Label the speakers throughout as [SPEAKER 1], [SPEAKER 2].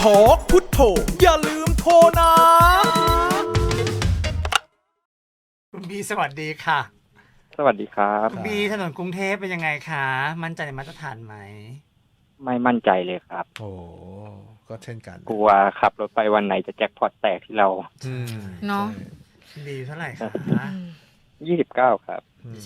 [SPEAKER 1] ทอกพุทโธอย่าลืมโทรนะคุณบีสวัสดีค่ะ
[SPEAKER 2] สวัสดีครับ
[SPEAKER 1] คุณบีถนนกรุงเทพเป็นยังไงคะมั่นใจในมาตรฐานไหม
[SPEAKER 2] ไม่มั่นใจเลยครับ
[SPEAKER 3] โอ้ก็เช่นกัน
[SPEAKER 2] กลัวขับรถไปวันไหนจะแจ็คพอตแตกที่เรา
[SPEAKER 4] เนาะ
[SPEAKER 1] บีเท่าไหร่คะ
[SPEAKER 2] 29ครับ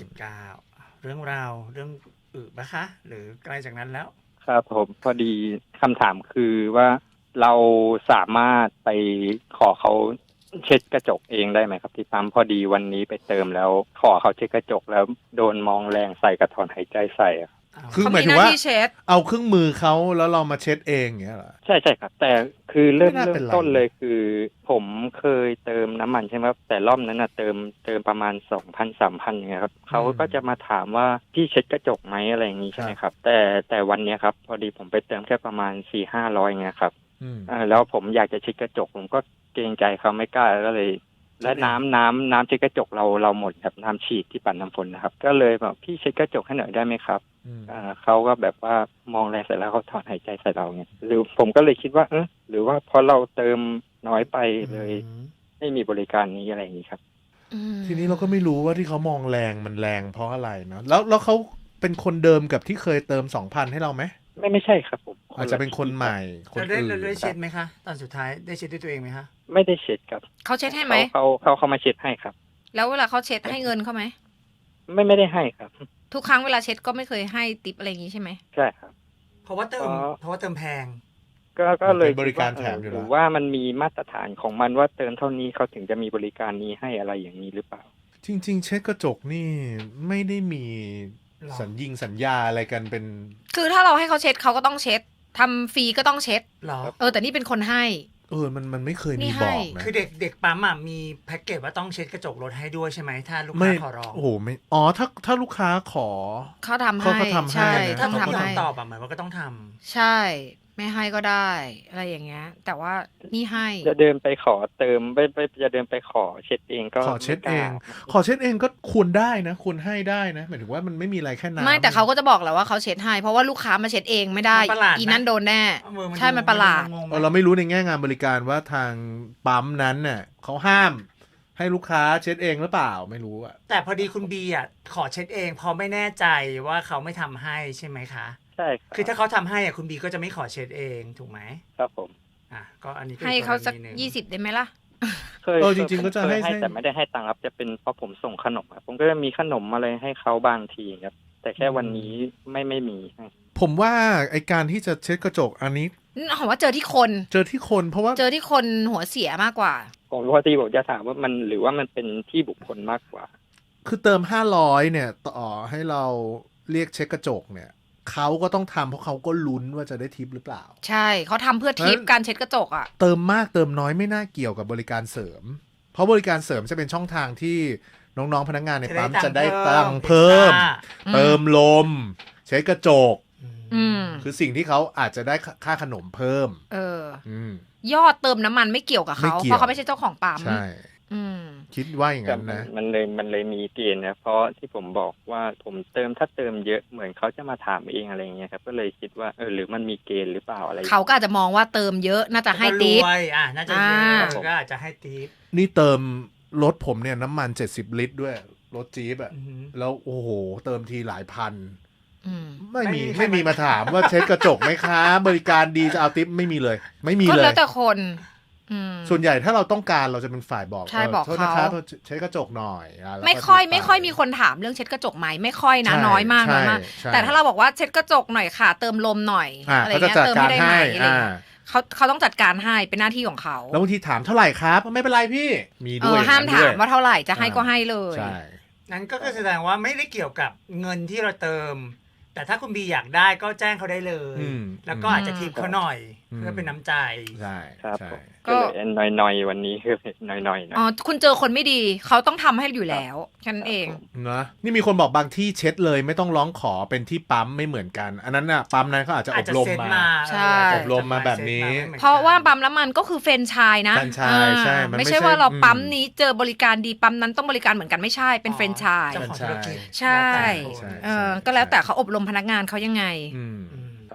[SPEAKER 1] 29เรื่องราวเรื่องปะคะหรือไกลจากนั้นแล้ว
[SPEAKER 2] ครับผมพอดีคำถามคือว่าเราสามารถไปขอเขาเช็ดกระจกเองได้ไหมครับที่ปั๊มพอดีวันนี้ไปเติมแล้วขอเขาเช็ดกระจกแล้วโดนมองแรงใส่กระถอนหายใจใส่
[SPEAKER 3] คือหมายถึงว่าเอาเครื่องมือเขาแล้วเรามาเช็ดเองอย่างเงี้ยเหรอ
[SPEAKER 2] ใช่ครับแต่คือเริ่มต้นเลยคือผมเคยเติมน้ำมันใช่ไหมครับแต่รอบนั้นเติมประมาณ 2,000-3,000 อย่างเงี้ยครับเขาก็จะมาถามว่าพี่เช็ดกระจกไหมอะไรอย่างงี้ใช่ไหมครับแต่วันนี้ครับพอดีผมไปเติมแค่ประมาณ 400-500 อย่างเงี้ยครับแล้วผมอยากจะเช็ดกระจกผมก็เกรงใจเขาไม่กล้าก็เลยและน้ำเช็ดกระจกเราหมดครับน้ำฉีดที่ปั่นน้ำฝนนะครับก็เลยบอกพี่เช็ดกระจกให้หน่อยได้ไหมครับเขาก็แบบว่ามองแรงเสร็จแล้วเขาถอนหายใจใส่เราเนี่ยหรือผมก็เลยคิดว่าหรือว่าพอเราเติมน้อยไปเลยไม่มีบริการนี้อะไรอย่างนี้ครับ
[SPEAKER 3] ทีนี้เราก็ไม่รู้ว่าที่เขามองแรงมันแรงเพราะอะไรเนาะแล้วเขาเป็นคนเดิมกับที่เคยเติม 2,000 ให้เราไหม
[SPEAKER 2] ไม่ใช่ครับผม
[SPEAKER 3] อาจจะเป็นคนใหม่คนอื่น
[SPEAKER 1] ได้เช็ดไหมคะตอนสุดท้ายได้เช็ดด้วยตัวเองไหมคะ
[SPEAKER 2] ไม่ได้เช็ดครับ
[SPEAKER 4] เขาเช็ดให้ไหม
[SPEAKER 2] เขามาเช็ดให้ครับ
[SPEAKER 4] แล้วเวลาเขาเช็ดให้เงินเขาไหม
[SPEAKER 2] ไม่ได้ให้ครับ
[SPEAKER 4] ทุกครั้งเวลาเช็ดก็ไม่เคยให้ติปอะไรอย่างนี้ใช่ไหม
[SPEAKER 2] ใช่ครับ
[SPEAKER 1] เพราะว่าเติมแพง
[SPEAKER 2] ก็เลย
[SPEAKER 3] บริการแถมอยู่
[SPEAKER 2] หรือว่ามันมีมาตรฐานของมันว่าเติมเท่านี้เขาถึงจะมีบริการนี้ให้อะไรอย่างนี้หรือเปล่า
[SPEAKER 3] จริงๆเช็ดกระจกนี่ไม่ได้มีสัญญาอะไรกันเป็น
[SPEAKER 4] คือถ้าเราให้เขาเช็ดเขาก็ต้องเช็ดทำฟรีก็ต้องเช็ดแต่นี่เป็นคนให้
[SPEAKER 3] มันไม่เคยมีบอกนะ
[SPEAKER 1] คือเด็กปั๊มมีแพ็กเกจว่าต้องเช็ดกระจกรถให้ด้วยใช่ไหมถ้าลูกค้าขอร้อง
[SPEAKER 3] โอ้โหไม่ถ้าลูกค้าขอ
[SPEAKER 4] เขาทำให้ใช่
[SPEAKER 1] ถ้าเขาตอบหมายว่าก็ต้องทำ
[SPEAKER 4] ใช่ไม่ให้ก็ได้อะไรอย่างเงี้ยแต่ว่านี่ให้
[SPEAKER 2] จะเดินไปขอเติมไปจะเดินไปขอเช็ดเองก็
[SPEAKER 3] ขอเช็ดเองก็ควรได้นะควรให้ได้นะหมายถึงว่ามันไม่มีอะไรแค่น้ำ
[SPEAKER 4] ไม่แต่เขาก็จะบอกแหละว่าเขาเช็ดให้เพราะว่าลูกค้ามาเช็ดเองไม่ได้อีนั่นโดนแน่ใช่มันประหลาด
[SPEAKER 3] เราไม่รู้ในแง่งานบริการว่าทางปั๊มนั้นน่ะเขาห้ามให้ลูกค้าเช็ดเองหรือเปล่าไม่รู้อะ
[SPEAKER 1] แต่พอดีคุณบีขอเช็ดเองเพราะไม่แน่ใจว่าเขาไม่ทำให้ใช่ไหมคะ
[SPEAKER 2] ใช่
[SPEAKER 1] คือถ้าเขาทำให้คุณบีก็จะไม่ขอเช็ดเองถูกไหม
[SPEAKER 2] ครับผม
[SPEAKER 1] ก็อันนี้
[SPEAKER 4] ให้เขาสัก20ได้ไหมล่ะ
[SPEAKER 2] เคยจริงๆก็จะให้แต่ไม่ได้ให้ตังค์ครับจะเป็นเพราะผมส่งขนมครับผมก็จะมีขนมอะไรให้เขาบางทีครับแต่แค่วันนี้ไม่มี
[SPEAKER 3] ผมว่าไอการที่จะเช็ดกระจกอันนี้
[SPEAKER 4] ผมว่าเจอที่คน
[SPEAKER 3] เพราะว่า
[SPEAKER 4] เจอที่คนหัวเสียมากกว่า
[SPEAKER 2] ผมพอดีผมจะถามว่ามันหรือว่ามันเป็นที่บุคคลมากกว่า
[SPEAKER 3] คือเติม500เนี่ยต่อให้เราเรียกเช็ดกระจกเนี่ยเขาก็ต้องทำเพราะเขาก็ลุ้นว่าจะได้ทิปหรือเปล่า
[SPEAKER 4] ใช่เขาทำเพื่อทิปการเช็ดกระจก
[SPEAKER 3] เติมมากเติมน้อยไม่น่าเกี่ยวกับบริการเสริมเพราะบริการเสริมจะเป็นช่องทางที่น้องๆพนักงานในปั๊มจะได้ตังค์เพิ่มเติมลมเช็ดกระจกคือสิ่งที่เขาอาจจะได้ค่าขนมเพิ่ม
[SPEAKER 4] ยอดเติมน้ำมันไม่เกี่ยวกับเขาเพราะเขาไม่ใช่เจ้าของปั๊ม
[SPEAKER 3] ใช่คิดว่าอย่างนั้นนะ
[SPEAKER 2] มันเลยมีเกณฑ์นะเพราะที่ผมบอกว่าผมถ้าเติมเยอะเหมือนเขาจะมาถามเองอะไรเงี้ยครับก็เลยคิดว่าหรือมันมีเกณฑ์หรือเปล่าอะไร
[SPEAKER 4] เขาก็อาจจะมองว่าเติมเยอะน่าจะให้ทิป
[SPEAKER 1] น่าจะเยอะก็อาจจะให้ทิป
[SPEAKER 3] นี่เติมรถผมเนี่ยน้ำมัน70 ลิตรด้วยรถจี๊ปแล้วโอ้โหเติมทีหลายพันไม่มีมาถามว่าเช็ดกระจกไหมคะบริการดีจะเอาทิปไม่มีเลย
[SPEAKER 4] ก็แล้วแต่คน
[SPEAKER 3] ส่วนใหญ่ถ้าเราต้องการเราจะเป็นฝ่ายบอก
[SPEAKER 4] ใช่บอกเขา
[SPEAKER 3] เช็ดกระจกหน่อย
[SPEAKER 4] ไม่ค่อยมีคนถามเรื่องเช็ดกระจกไหมไม่ค่อยนะน้อยมากแต่ถ้าเราบอกว่าเช็ดกระจกหน่อยค่ะเติมลมหน่อยอะไรเงี้ยเติมไม่ได้ไหมอะไรเขาต้องจัดการให้เป็นหน้าที่ของเขา
[SPEAKER 3] แล้วบางทีถามเท่าไหร่ครับไม่เป็นไรพี่มีด้วย
[SPEAKER 4] ห้ามถามว่าเท่าไหร่จะให้ก็ให้เลย
[SPEAKER 1] นั้นก็แสดงว่าไม่ได้เกี่ยวกับเงินที่เราเติมแต่ถ้าคุณบีอยากได้ก็แจ้งเขาได้เลยแล้วก็อาจจะทิปเขาหน่อยเพื่อเป็นน้ำใจ
[SPEAKER 3] ใช่
[SPEAKER 2] ครับก็หน่อยวันนี้คือหน่อยนะ
[SPEAKER 4] คุณเจอคนไม่ดีเขาต้องทำให้อยู่แล้วแค่นั้นเอง
[SPEAKER 3] นะนี่มีคนบอกบางที่เช็ดเลยไม่ต้องร้องขอเป็นที่ปั๊มไม่เหมือนกันอันนั้นน่ะปั๊มนั้นเขาอาจจะอบรมมา
[SPEAKER 4] ใช่
[SPEAKER 3] อบรมมาแบบนี้
[SPEAKER 4] เพราะว่าปั๊มน้ำมันก็คือแฟรนไชส์นะ
[SPEAKER 3] แฟรนไชส์ใช่
[SPEAKER 4] ไม่ใช่ว่าเราปั๊มนี้เจอบริการดีปั๊มนั้นต้องบริการเหมือนกันไม่ใช่เป็นแฟรนไชส์ใช่ก็แล้วแต่เขาอบรมพนักงานเขายังไง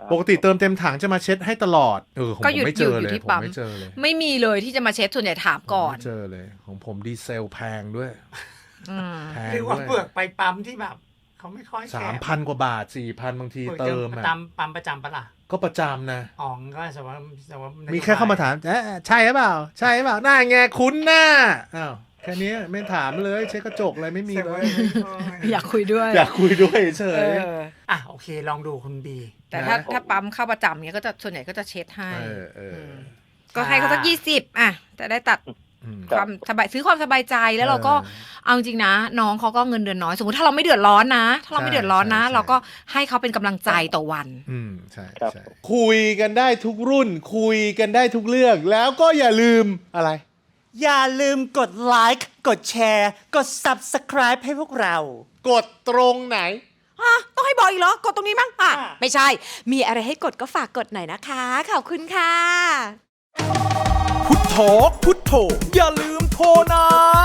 [SPEAKER 3] ปกติเติมเต็มถังจะมาเช็ดให้ตลอดของผมไม่เจอเลยผมไม่เจอเลย
[SPEAKER 4] ไม่มีเลยที่จะมาเช็ดส่วนใหญ่ถามก่อน
[SPEAKER 3] ไม่เจอเลยของผมดีเซลแพงด้วยแพง
[SPEAKER 1] หรือว่าเปลือกไปปั๊มที่แบบเขาไม่ค่อยแคร์
[SPEAKER 3] 3,000 กว่าบาท 4,000 บางทีเติมอ่ะ
[SPEAKER 1] ตามปั๊มประจำปะล่ะ
[SPEAKER 3] ก็ประจำนะ
[SPEAKER 1] อ๋อก็แต่ว่า
[SPEAKER 3] มีแค่เข้ามาถามใช่หรือเปล่าใช่หรือเปล่าหน้าไงคุ้นหน้าอ้าวแค่นี้ไม่ถามเลยเช็ดกระจกอะไรไม่มีเลย
[SPEAKER 4] อยากคุยด้วย
[SPEAKER 3] เฉย
[SPEAKER 1] โอเคลองดูคุณบี
[SPEAKER 4] แต่ถ้าปั๊มเข้าประจำเนี้ยก็จะส่วนใหญ่ก็จะเช็ดให้ก็ให้เขาสัก20จะได้ตัดความสบายซื้อความสบายใจแล้วเราก็เอาจริงนะน้องเขาก็เงินเดือนน้อยสมมติถ้าเราไม่เดือดร้อนนะเราก็ให้เขาเป็นกำลังใจต่อวัน
[SPEAKER 3] ใช่คุยกันได้ทุกรุ่นคุยกันได้ทุกเรื่องแล้วก็อย่าลืมอะไร
[SPEAKER 5] อย่าลืมกดไลค์กดแชร์กด Subscribe ให้พวกเรา
[SPEAKER 3] กดตรงไหน
[SPEAKER 5] ต้องให้บอกอีกเหรอกดตรงนี้มั้งไม่ใช่มีอะไรให้กดก็ฝากกดหน่อยนะคะขอบคุณค่ะ
[SPEAKER 6] พุทโธอย่าลืมโทรนะ